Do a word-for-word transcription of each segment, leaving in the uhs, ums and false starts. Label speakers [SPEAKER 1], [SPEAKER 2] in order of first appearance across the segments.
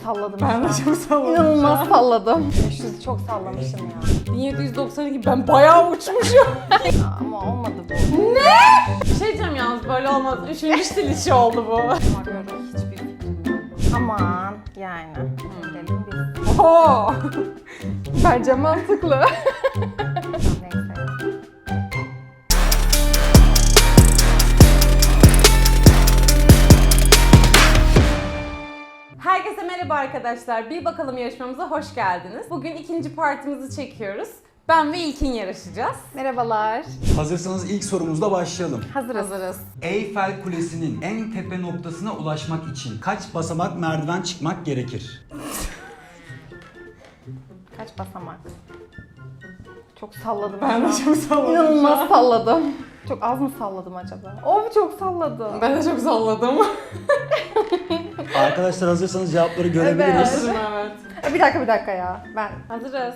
[SPEAKER 1] salladım.
[SPEAKER 2] Ben de çok salladım.
[SPEAKER 1] İnanılmaz salladım. beş yüzü çok sallamışım ya.
[SPEAKER 2] bin yedi yüz doksan iki ben bayağı uçmuşum.
[SPEAKER 1] Ama olmadı bu.
[SPEAKER 2] Ne? Bir şey diyeceğim yalnız böyle olmaz. Üçüncü stil işi oldu bu.
[SPEAKER 1] Bakıyorum.
[SPEAKER 2] Hiçbir fikrim yok.
[SPEAKER 1] Aman yani. Gidelim biz.
[SPEAKER 2] Oho.
[SPEAKER 1] Bence mantıklı. Neyse.
[SPEAKER 2] Herkese merhaba arkadaşlar. Bir bakalım yarışmamıza hoş geldiniz. Bugün ikinci partimizi çekiyoruz. Ben ve İlkin yarışacağız.
[SPEAKER 1] Merhabalar.
[SPEAKER 3] Hazırsanız ilk sorumuzla başlayalım.
[SPEAKER 1] Hazırız.
[SPEAKER 2] Hazırız.
[SPEAKER 3] Eyfel Kulesi'nin en tepe noktasına ulaşmak için kaç basamak merdiven çıkmak gerekir?
[SPEAKER 1] Kaç basamak? Çok salladım.
[SPEAKER 2] Ben de
[SPEAKER 1] şu an.
[SPEAKER 2] çok salladım.
[SPEAKER 1] İnanılmaz salladım. Çok az mı salladım acaba? Of çok salladım.
[SPEAKER 2] Ben de çok salladım.
[SPEAKER 3] Arkadaşlar hazırsanız cevapları görebiliriz.
[SPEAKER 2] Hazırım evet.
[SPEAKER 1] Bir dakika bir dakika ya. Ben
[SPEAKER 2] Hazırız.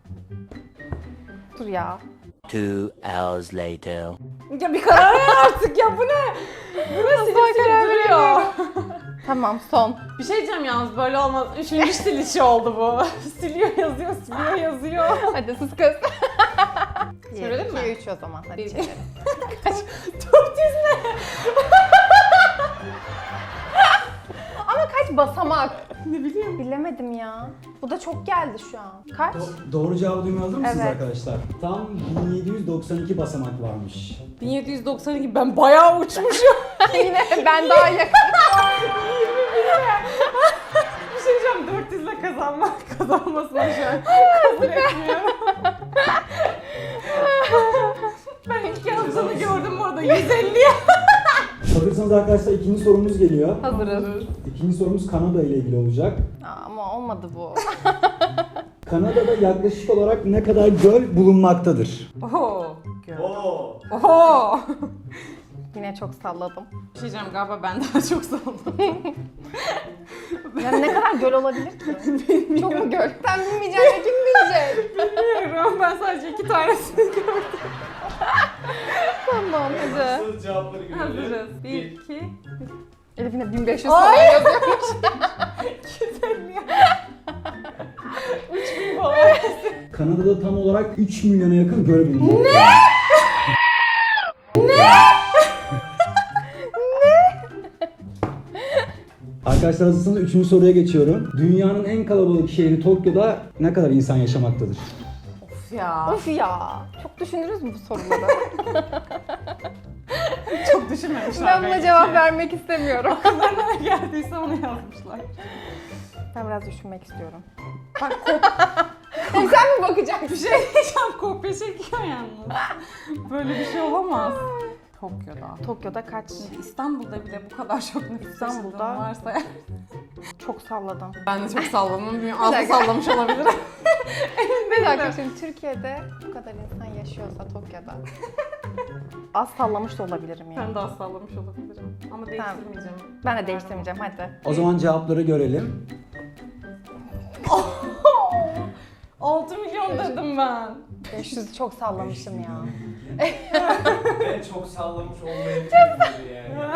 [SPEAKER 1] dur ya.
[SPEAKER 4] Two hours later.
[SPEAKER 2] Ya bir karar ver artık ya bu ne? Bu ne silip silip duruyor.
[SPEAKER 1] Tamam son.
[SPEAKER 2] Bir şey diyeceğim yalnız böyle olmaz. Üçüncü stil işi oldu bu. Siliyor yazıyor, siliyor yazıyor.
[SPEAKER 1] Hadi sus kız.
[SPEAKER 2] Çevirelim mi?
[SPEAKER 1] iki üç o zaman. Hadi
[SPEAKER 2] Bir-
[SPEAKER 1] çevirelim.
[SPEAKER 2] dört yüz ne?
[SPEAKER 1] Ama kaç basamak?
[SPEAKER 2] Ne bileyim.
[SPEAKER 1] Bilemedim ya. Bu da çok geldi şu an. Kaç?
[SPEAKER 3] Do- doğru cevabı duymaya hazır mısınız
[SPEAKER 1] Evet.
[SPEAKER 3] arkadaşlar? Tam bin yedi yüz doksan iki basamak varmış.
[SPEAKER 2] bin yedi yüz doksan iki ben bayağı uçmuşum.
[SPEAKER 1] Yine ben daha yakın.
[SPEAKER 2] Bir şey diyeceğim dört yüz ile kazanmak kazanmasına şu an kabul etmiyorum. Ben ilk yazdığını gördüm orada yüz elliye.
[SPEAKER 3] Hazırsanız arkadaşlar ikinci sorumuz geliyor.
[SPEAKER 1] Hazırız.
[SPEAKER 3] İkinci sorumuz Kanada ile ilgili olacak.
[SPEAKER 1] Aa, ama olmadı bu.
[SPEAKER 3] Kanada'da yaklaşık olarak ne kadar göl bulunmaktadır?
[SPEAKER 2] Oho. Oho.
[SPEAKER 1] Yine çok salladım.
[SPEAKER 2] Bir şey diyeceğim galiba ben daha çok salladım.
[SPEAKER 1] Yani ne kadar göl olabilir ki? Çok mu göl? Sen bilmeyeceksin de kim bilecek?
[SPEAKER 2] Bilmiyorum ben sadece iki tanesini gördüm.
[SPEAKER 1] Tamam hadi.
[SPEAKER 5] Hazır cevapları görelim.
[SPEAKER 2] Hazırız. Bir, iki,
[SPEAKER 1] Elif yine bin beş yüz
[SPEAKER 2] Ay!
[SPEAKER 1] falan yazıyormuş.
[SPEAKER 2] iki yüz elli. üç bin falan.
[SPEAKER 3] Kanada'da tam olarak üç milyona yakın göl bulunmaktadır. Arkadaşlar hazırsanız üçüncü soruya geçiyorum. Dünyanın en kalabalık şehri Tokyo'da ne kadar insan yaşamaktadır?
[SPEAKER 2] Of ya.
[SPEAKER 1] Of ya. Çok düşünürüz mü bu soruları?
[SPEAKER 2] Çok düşünmemişler.
[SPEAKER 1] Ben buna
[SPEAKER 2] belki.
[SPEAKER 1] cevap vermek istemiyorum.
[SPEAKER 2] Akıllarına ne geldiyse onu yazmışlar.
[SPEAKER 1] Ben biraz düşünmek istiyorum.
[SPEAKER 2] Bak kop
[SPEAKER 1] Sen mi bakacaksın?
[SPEAKER 2] bir şey diyeceğim kopya çekiyor yalnız. Böyle bir şey olamaz. Tokyo'da.
[SPEAKER 1] Tokyo'da kaç?
[SPEAKER 2] İstanbul'da bile bu kadar çok nüfus
[SPEAKER 1] İstanbul'da-
[SPEAKER 2] taşıdığım varsa
[SPEAKER 1] Çok salladım.
[SPEAKER 2] ben de çok salladım. Bilmiyorum, Az da
[SPEAKER 1] dakika.
[SPEAKER 2] sallamış olabilirim.
[SPEAKER 1] Bir dakika şimdi Türkiye'de bu kadar insan yaşıyorsa Tokyo'da az sallamış da olabilirim yani.
[SPEAKER 2] Ben de az sallamış olabilirim. Ama değiştirmeyeceğim.
[SPEAKER 1] Ben de değiştirmeyeceğim hadi.
[SPEAKER 3] O zaman cevapları görelim.
[SPEAKER 2] altı milyon dedim ben.
[SPEAKER 1] beş yüzü çok sallamışım ya.
[SPEAKER 5] Ben çok sallamış olmayabilirim yani.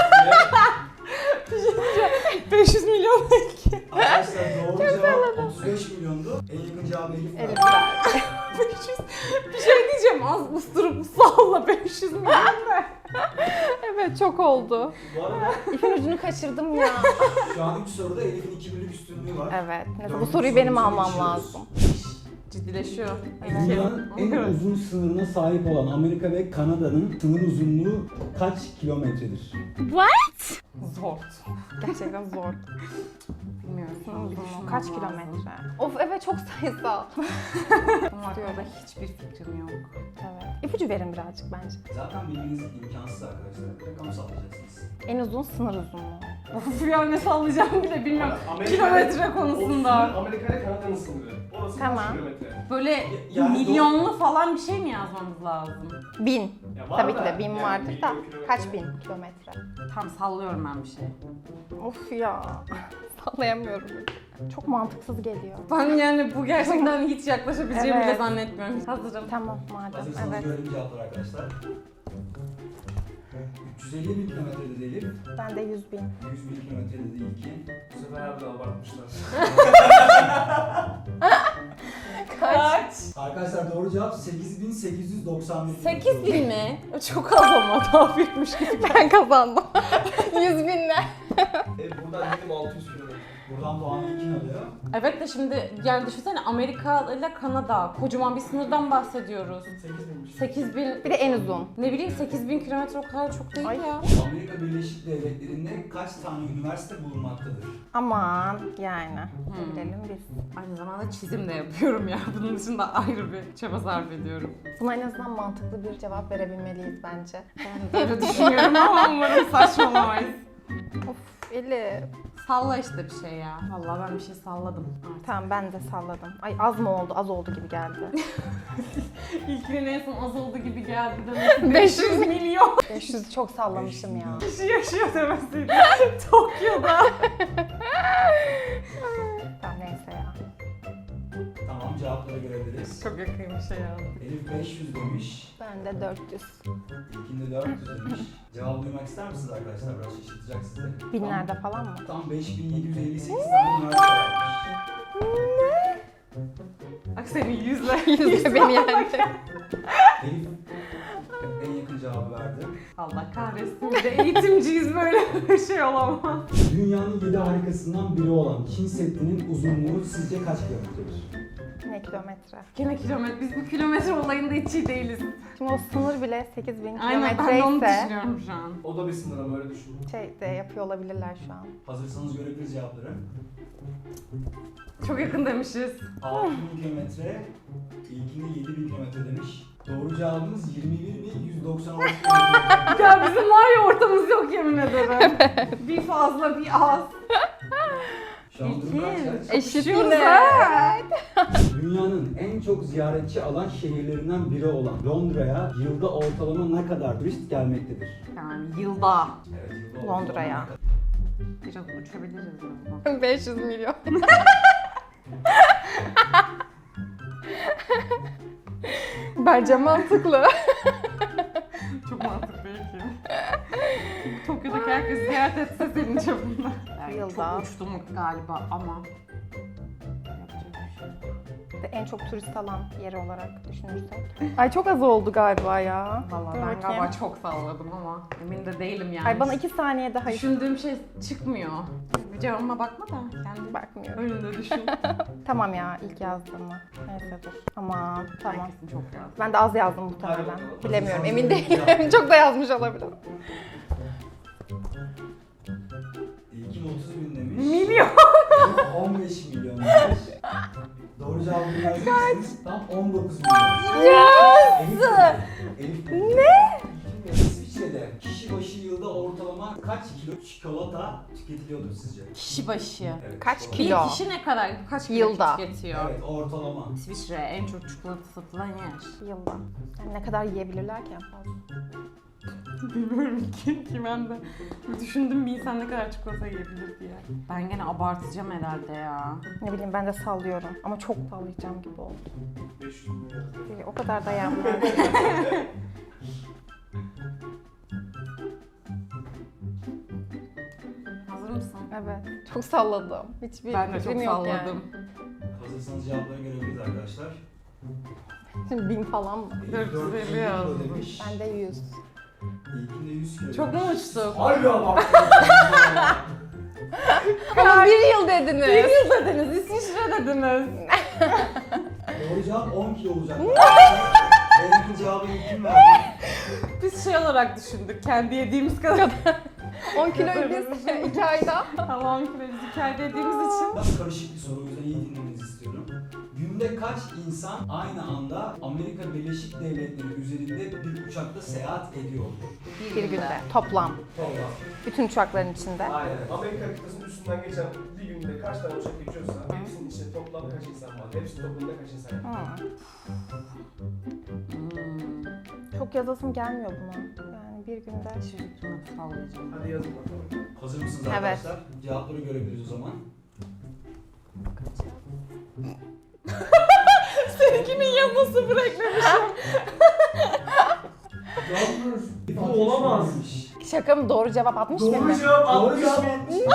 [SPEAKER 2] beş yüz milyon belki.
[SPEAKER 3] Arkadaşlar doğru cevap otuz beş milyondu. En yakın cevabı Elif
[SPEAKER 1] Elif
[SPEAKER 3] verdi.
[SPEAKER 1] ver.
[SPEAKER 2] beş yüz. Bir şey diyeceğim az ısırıp salla beş yüz milyon ne?
[SPEAKER 1] Evet çok oldu.
[SPEAKER 5] Bu arada
[SPEAKER 1] İpin ucunu kaçırdım ya.
[SPEAKER 3] Şu an üç soruda Elif'in iki birlik üstünlüğü var.
[SPEAKER 1] Evet. Neyse, bu
[SPEAKER 3] Dördüncü
[SPEAKER 1] soruyu benim
[SPEAKER 3] sorumuza
[SPEAKER 1] almam
[SPEAKER 3] geçiyoruz.
[SPEAKER 1] lazım.
[SPEAKER 2] Ciddileşiyor.
[SPEAKER 3] Dünyanın en uzun sınırına sahip olan Amerika ve Kanada'nın sınır uzunluğu kaç kilometredir?
[SPEAKER 2] Zor.
[SPEAKER 1] Gerçekten zor.
[SPEAKER 2] Bilmiyorum.
[SPEAKER 1] Uzunluğu kaç kilometre? Of evet çok sayısal.
[SPEAKER 2] Bunun hakkında hiçbir fikrim yok.
[SPEAKER 1] Evet. İpucu verin birazcık bence.
[SPEAKER 3] Zaten bilmeniz imkansız arkadaşlar. Rakam sallayacaksınız.
[SPEAKER 1] En uzun sınır uzunluğu.
[SPEAKER 2] Of ya ne sallayacağımı bile bilmiyorum.
[SPEAKER 5] Amerika-
[SPEAKER 2] Kilometre
[SPEAKER 5] o
[SPEAKER 2] konusunda.
[SPEAKER 5] sınır Amerika ile Kanada'nın sınırı. Orası
[SPEAKER 1] Tamam.
[SPEAKER 5] kaç kilometre?
[SPEAKER 2] Böyle
[SPEAKER 3] Yani
[SPEAKER 2] milyonlu falan bir şey mi yazmamız lazım?
[SPEAKER 1] Bin.
[SPEAKER 5] Ya var
[SPEAKER 1] Tabii ki
[SPEAKER 5] da,
[SPEAKER 1] de bin
[SPEAKER 5] yani
[SPEAKER 1] vardır da.
[SPEAKER 5] milyon kilometre.
[SPEAKER 1] Kaç bin kilometre?
[SPEAKER 2] Tam sallıyorum ben bir şey.
[SPEAKER 1] Of ya. Sallayamıyorum. Çok mantıksız geliyor.
[SPEAKER 2] Ben yani bu gerçekten hiç yaklaşabileceğimi
[SPEAKER 1] Evet.
[SPEAKER 2] bile zannetmiyorum. Hazırım.
[SPEAKER 1] Tamam madem.
[SPEAKER 3] Hazırsanız
[SPEAKER 1] Evet.
[SPEAKER 3] görelim cevapları arkadaşlar. üç yüz elli bin kilometrede de Elif.
[SPEAKER 1] Ben de yüz bin.
[SPEAKER 3] yüz bin kilometrede de İlkin.
[SPEAKER 5] Bu sefer harbiden abartmışlar.
[SPEAKER 2] Kaç?
[SPEAKER 3] Arkadaşlar doğru cevap sekiz bin sekiz yüz doksan bir.
[SPEAKER 2] sekiz bin mi? Çok az ama daha büyükmüş gibi.
[SPEAKER 1] Ben kazandım. yüz binle.
[SPEAKER 5] E buradan dedim altı yüz kilometre.
[SPEAKER 3] Buradan puanı İlkin alıyor.
[SPEAKER 2] Evet de şimdi yani düşünsene Amerika ile Kanada. Kocaman bir sınırdan bahsediyoruz.
[SPEAKER 5] sekiz binmiş.
[SPEAKER 2] sekiz bin,
[SPEAKER 1] Bir de en uzun.
[SPEAKER 2] ne bileyim sekiz bin kilometre o kadar çok değil
[SPEAKER 1] Ay.
[SPEAKER 2] ya.
[SPEAKER 3] Amerika Birleşik Devletleri'nde kaç tane üniversite bulunmaktadır?
[SPEAKER 1] Aman yani.
[SPEAKER 2] Hmm.
[SPEAKER 1] Bilelim biz.
[SPEAKER 2] Aynı zamanda çizim de yapıyorum ya. Bunun dışında ayrı bir çaba sarf ediyorum.
[SPEAKER 1] Buna en azından mantıklı bir cevap verebilmeliyiz bence.
[SPEAKER 2] Ben de öyle düşünüyorum ama umarım saçmalamayız.
[SPEAKER 1] Of Elif.
[SPEAKER 2] Salla işte bir şey ya. Vallahi ben bir şey salladım artık.
[SPEAKER 1] Tamam ben de salladım. Ay az mı oldu? Az oldu gibi geldi.
[SPEAKER 2] İlkinin en son az oldu gibi geldi demek.
[SPEAKER 1] beş yüz
[SPEAKER 2] milyon
[SPEAKER 1] beş yüz çok sallamışım ya.
[SPEAKER 2] kişi yaşıyor demesiydi. Tokyo'da.
[SPEAKER 1] Tamam neyse ya.
[SPEAKER 3] Tamam cevapları görebiliriz.
[SPEAKER 2] Çok yakın bir şey yazdım.
[SPEAKER 3] Elif beş yüz demiş.
[SPEAKER 1] Ben de dört yüz.
[SPEAKER 3] İlkin de dört yüz demiş. Cevabı duymak ister misiniz arkadaşlar? Biraz şaşırtacak sizi.
[SPEAKER 1] Binlerde falan mı?
[SPEAKER 3] Tam, tam beş bin yedi yüz elli sekiz tane üniversite varmış.
[SPEAKER 2] Bak senin yüzle.
[SPEAKER 1] Yüzde beni yendi.
[SPEAKER 3] Elif en yakın cevabı verdi.
[SPEAKER 2] Allah kahretsin. Bir de eğitimciyiz, böyle bir şey olamaz.
[SPEAKER 3] Dünyanın yedi harikasından biri olan Çin Seddi'nin uzunluğu sizce kaç kilometredir?
[SPEAKER 1] Ne kilometre?
[SPEAKER 2] Gene kilometre. Biz bu kilometre olayında hiç iyi değiliz.
[SPEAKER 1] Şimdi o sınır bile sekiz bin
[SPEAKER 2] Aynen, ben de onu
[SPEAKER 1] kilometre ise
[SPEAKER 2] düşünüyorum şu an.
[SPEAKER 5] O da bir sınır ama öyle düşün.
[SPEAKER 1] şey de yapıyor olabilirler şu an.
[SPEAKER 3] Hazırsanız görebiliriz cevapları.
[SPEAKER 2] Çok yakın demişiz.
[SPEAKER 3] altı bin kilometre, ilkinde yedi bin kilometre demiş. Doğru cevabımız yirmi bir bin yüz doksan altı kilometre.
[SPEAKER 2] Ya bizim var ya ortamız yok yemin ederim. Bir fazla bir az.
[SPEAKER 3] Şu an durum kaç kaç?
[SPEAKER 1] Eşit
[SPEAKER 2] Kapışıyoruz
[SPEAKER 1] yine.
[SPEAKER 2] ha.
[SPEAKER 3] Dünyanın en çok ziyaretçi alan şehirlerinden biri olan Londra'ya yılda ortalama ne kadar turist gelmektedir?
[SPEAKER 2] Yani yılda.
[SPEAKER 3] Evet, yılda ortalama
[SPEAKER 1] Londra'ya.
[SPEAKER 3] ne kadar?
[SPEAKER 2] Biraz uçabiliriz ama.
[SPEAKER 1] beş yüz milyon. Bence mantıklı.
[SPEAKER 2] Çok mantıklı değil ki. Tokyo'daki herkes ziyaret etse senin çapında. Yani
[SPEAKER 1] Yılda.
[SPEAKER 2] çok uçtum galiba ama. Yapacak bir şey yok.
[SPEAKER 1] En çok turist alan yeri olarak düşünürsek. Ay çok az oldu galiba ya.
[SPEAKER 2] Vallahi
[SPEAKER 1] Dur
[SPEAKER 2] ben
[SPEAKER 1] bakayım.
[SPEAKER 2] galiba çok salladım ama emin de değilim yani.
[SPEAKER 1] Ay bana iki saniye daha hiç
[SPEAKER 2] Düşündüğüm şey çıkmıyor. Bir cevabıma bakma da kendi
[SPEAKER 1] bakmıyorum.
[SPEAKER 2] önünde düşün.
[SPEAKER 1] Tamam ya ilk yazdığımı. Neyse dur. Aman tamam.
[SPEAKER 2] Herkesin çok yazdı.
[SPEAKER 1] Ben de az yazdım muhtemelen.
[SPEAKER 5] Hadi bakalım.
[SPEAKER 1] Bilemiyorum
[SPEAKER 3] Hazırsanız
[SPEAKER 1] emin
[SPEAKER 3] görebiliriz
[SPEAKER 1] değilim. Çok da yazmış olabilirim.
[SPEAKER 3] İlkin otuz bin demiş.
[SPEAKER 2] Milyon.
[SPEAKER 3] on beş milyon demiş. Doğru cevabı vereceksiniz. Tam on dokuz milyon.
[SPEAKER 1] Yes!
[SPEAKER 3] Elif, Elif
[SPEAKER 1] Ne?
[SPEAKER 3] İsviçre'de kişi başı yılda ortalama kaç kilo çikolata tüketiliyordur sizce?
[SPEAKER 2] Kişi başı.
[SPEAKER 3] Evet,
[SPEAKER 1] Kaç
[SPEAKER 3] çikolata.
[SPEAKER 1] kilo?
[SPEAKER 2] Bir kişi ne kadar, kaç kilo
[SPEAKER 1] Yılda.
[SPEAKER 2] tüketiyor?
[SPEAKER 3] Evet, ortalama.
[SPEAKER 2] İsviçre en çok çikolata satılan yer.
[SPEAKER 1] Yılda. Yani ne kadar yiyebilirler ki en fazla?
[SPEAKER 2] Bilmiyorum ki, ki ben de düşündüm bir insan ne kadar çikolata yiyebilir diye. Ben gene abartacağım herhalde ya.
[SPEAKER 1] Ne bileyim ben de sallıyorum ama çok sallayacağım gibi oldu.
[SPEAKER 5] beş yüz milyon.
[SPEAKER 1] Ee, O kadar da yapmam.
[SPEAKER 2] Hazır mısın?
[SPEAKER 1] Evet. Çok salladım. Hiçbir
[SPEAKER 2] Ben de çok
[SPEAKER 1] fikrim yok
[SPEAKER 2] salladım.
[SPEAKER 1] yani.
[SPEAKER 3] Hazırsanız cevapları görebiliriz arkadaşlar.
[SPEAKER 1] Şimdi bin falan mı?
[SPEAKER 3] Elif
[SPEAKER 2] dört yüz elli
[SPEAKER 3] dört yüz elli kilo
[SPEAKER 2] yazdım.
[SPEAKER 3] demiş.
[SPEAKER 1] Ben de yüz.
[SPEAKER 3] İlkin de yüz kilo
[SPEAKER 2] Çok mu
[SPEAKER 3] demiş.
[SPEAKER 2] uçtuk?
[SPEAKER 5] Harbi abarttın.
[SPEAKER 1] Ama bir yıl dediniz.
[SPEAKER 2] Bir yıl dediniz, İsviçre dediniz.
[SPEAKER 3] Doğru cevap on kilo olacak. Benimki cevabı ilkin verdi.
[SPEAKER 2] Biz şey olarak düşündük, kendi yediğimiz kadar.
[SPEAKER 1] on kiloyu biz iki ayda.
[SPEAKER 2] Ama on kilo biz hikaye dediğimiz için.
[SPEAKER 3] Biraz karışık bir soru, o yüzden iyi dinlemenizi istiyorum. Günde kaç insan aynı anda Amerika Birleşik Devletleri üzerinde bir uçakta seyahat ediyor?
[SPEAKER 1] Bir günde toplam.
[SPEAKER 3] Toplam.
[SPEAKER 1] Bütün uçakların içinde.
[SPEAKER 5] Aynen. Amerika kıtasının üstünden geçen bir günde kaç tane uçak geçiyorsa hepsinin içinde toplam kaç insan var? Hepsi toplamda kaç insan var?
[SPEAKER 1] Hmm.
[SPEAKER 2] Hmm.
[SPEAKER 1] Çok yazasım gelmiyor buna. Yani bir günde.
[SPEAKER 2] Çocukluğunu sallayacağım.
[SPEAKER 5] Hadi yazın bakalım.
[SPEAKER 3] Hazır mısınız
[SPEAKER 1] Evet.
[SPEAKER 3] arkadaşlar? Cevapları görebiliriz o zaman.
[SPEAKER 2] Seninkinin yanına sıfır eklemişim.
[SPEAKER 5] Yalnız bu olamaz.
[SPEAKER 1] Şaka mı? Doğru cevap altmış bin
[SPEAKER 5] Doğru
[SPEAKER 1] mi?
[SPEAKER 5] cevap
[SPEAKER 3] Doğru
[SPEAKER 5] altmış
[SPEAKER 3] cevap
[SPEAKER 5] bin.
[SPEAKER 3] altmış.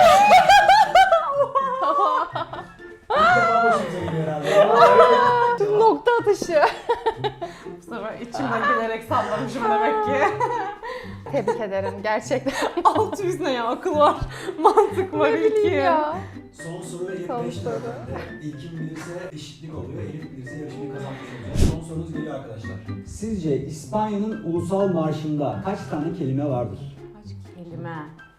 [SPEAKER 3] İlk defa başımıza geliyor herhalde.
[SPEAKER 1] Nokta atışı.
[SPEAKER 2] Bu sefer içimden gelerek sallamışım demek ki.
[SPEAKER 1] Tebrik ederim gerçekten.
[SPEAKER 2] altı yüz ne ya? Akıl var. Mantık var
[SPEAKER 1] Ne bileyim
[SPEAKER 2] ilki.
[SPEAKER 1] ya.
[SPEAKER 3] Son soru Elif
[SPEAKER 1] Son
[SPEAKER 3] beş
[SPEAKER 1] soru.
[SPEAKER 3] lira. İlkin bilirse eşitlik oluyor. Elif bilirse yarışmayı kazanmış olacak. Son sorunuz geliyor arkadaşlar. Sizce İspanya'nın ulusal marşında kaç tane kelime vardır?
[SPEAKER 2] Kaç kelime?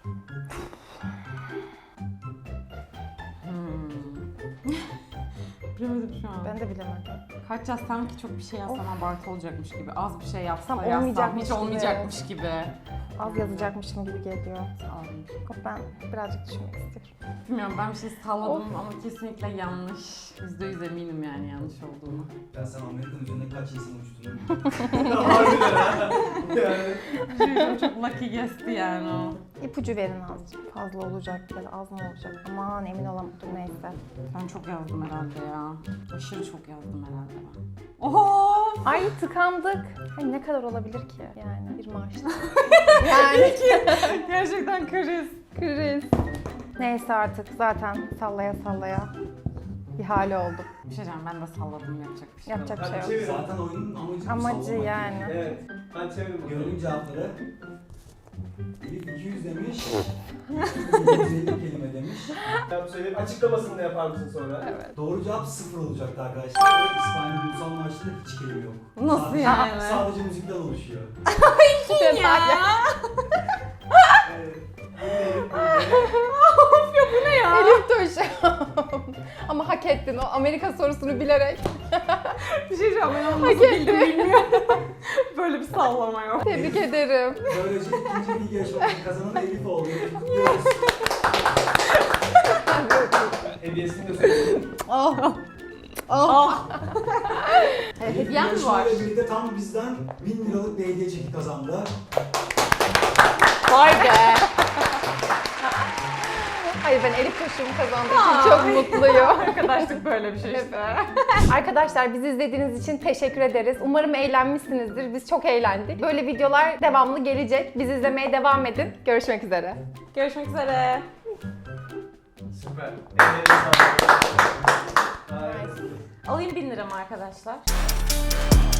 [SPEAKER 2] Hmm. Bilemedim şu an.
[SPEAKER 1] Ben de bilemedim.
[SPEAKER 2] Kaç yazsam ki çok bir şey yazsam abartı olacakmış gibi. Az bir şey yapsam
[SPEAKER 1] Tam
[SPEAKER 2] yazsam
[SPEAKER 1] olmayacakmış
[SPEAKER 2] hiç
[SPEAKER 1] gibi.
[SPEAKER 2] olmayacakmış gibi.
[SPEAKER 1] Az yazacakmışım gibi geliyor.
[SPEAKER 2] Sağlayayım.
[SPEAKER 1] Ben birazcık düşünmek istiyorum.
[SPEAKER 2] Bilmiyorum, ben bir şey salladım ama kesinlikle yanlış. yüzde yüz eminim yani yanlış olduğunu.
[SPEAKER 3] Ben sen Amerika'nın üzerinde kaç insan uçtuğunu
[SPEAKER 5] Harbiden ha. Yani.
[SPEAKER 2] Bir şey diyeyim, çok lucky guess'ti yani o.
[SPEAKER 1] İpucu verin azıcık. Fazla olacak ya da az mı olacak? Aman emin olamadım neyse.
[SPEAKER 2] Ben çok yazdım herhalde ya. Aşırı çok yazdım herhalde ben. Oho!
[SPEAKER 1] Ay tıkandık. Ay ne kadar olabilir ki yani bir maaşla. yani
[SPEAKER 2] Gerçekten kriz.
[SPEAKER 1] kriz. Neyse artık zaten sallaya sallaya bir hali oldum.
[SPEAKER 2] Bir şey diyeceğim, ben de salladım, yapacak bir şey yok.
[SPEAKER 1] Yapacak bir
[SPEAKER 5] Hadi
[SPEAKER 1] şey yok.
[SPEAKER 5] çevir.
[SPEAKER 3] Zaten oyunun amacı bu,
[SPEAKER 1] Amacı
[SPEAKER 3] sallamak
[SPEAKER 1] yani.
[SPEAKER 5] Evet. Ben çevirdim.
[SPEAKER 3] Görelim cevapları. Elif iki yüz demiş. iki yüz elli kelime demiş.
[SPEAKER 5] Ben söyleyeyim. Açıklamasını da yapar mısın sonra?
[SPEAKER 1] Evet.
[SPEAKER 3] Doğru cevap sıfır olacaktı arkadaşlar. İspanya ulusal marşında hiç kelime yok.
[SPEAKER 2] Nasıl
[SPEAKER 3] sadece,
[SPEAKER 2] yani?
[SPEAKER 3] Sadece müzikten oluşuyor.
[SPEAKER 2] Ya!
[SPEAKER 5] Evet.
[SPEAKER 2] Of ya, bu ne ya?
[SPEAKER 1] Elif Tuş. Ama hak ettin o Amerika sorusunu bilerek.
[SPEAKER 2] Bir şey diyeceğim, ben onu
[SPEAKER 1] Hak
[SPEAKER 2] nasıl bildim
[SPEAKER 1] etti.
[SPEAKER 2] bilmiyorum. Böyle bir sallama yok.
[SPEAKER 1] Tebrik ederim.
[SPEAKER 3] Böylece ikinci bilgi yarışmasının kazananı Elif oldu. Elif'i kutluyoruz.
[SPEAKER 5] Hediyesini de söyleyeyim.
[SPEAKER 1] Oh.
[SPEAKER 2] Ah!
[SPEAKER 1] Evet,
[SPEAKER 3] Elif
[SPEAKER 2] hediyem mi var?
[SPEAKER 3] yarışmayla birlikte tam bizden bin liralık bir hediye çeki kazandı.
[SPEAKER 1] Vay be. Hayır ben Elif Tuş'umu kazandığım için çok mutluyum.
[SPEAKER 2] Arkadaşlık böyle bir şey işte.
[SPEAKER 1] Arkadaşlar bizi izlediğiniz için teşekkür ederiz. Umarım eğlenmişsinizdir. Biz çok eğlendik. Böyle videolar devamlı gelecek. Bizi izlemeye devam edin. Görüşmek üzere.
[SPEAKER 2] Görüşmek üzere.
[SPEAKER 5] Süper. Ellerine sağlık. Harikasın.
[SPEAKER 2] Alayım bin liramı arkadaşlar.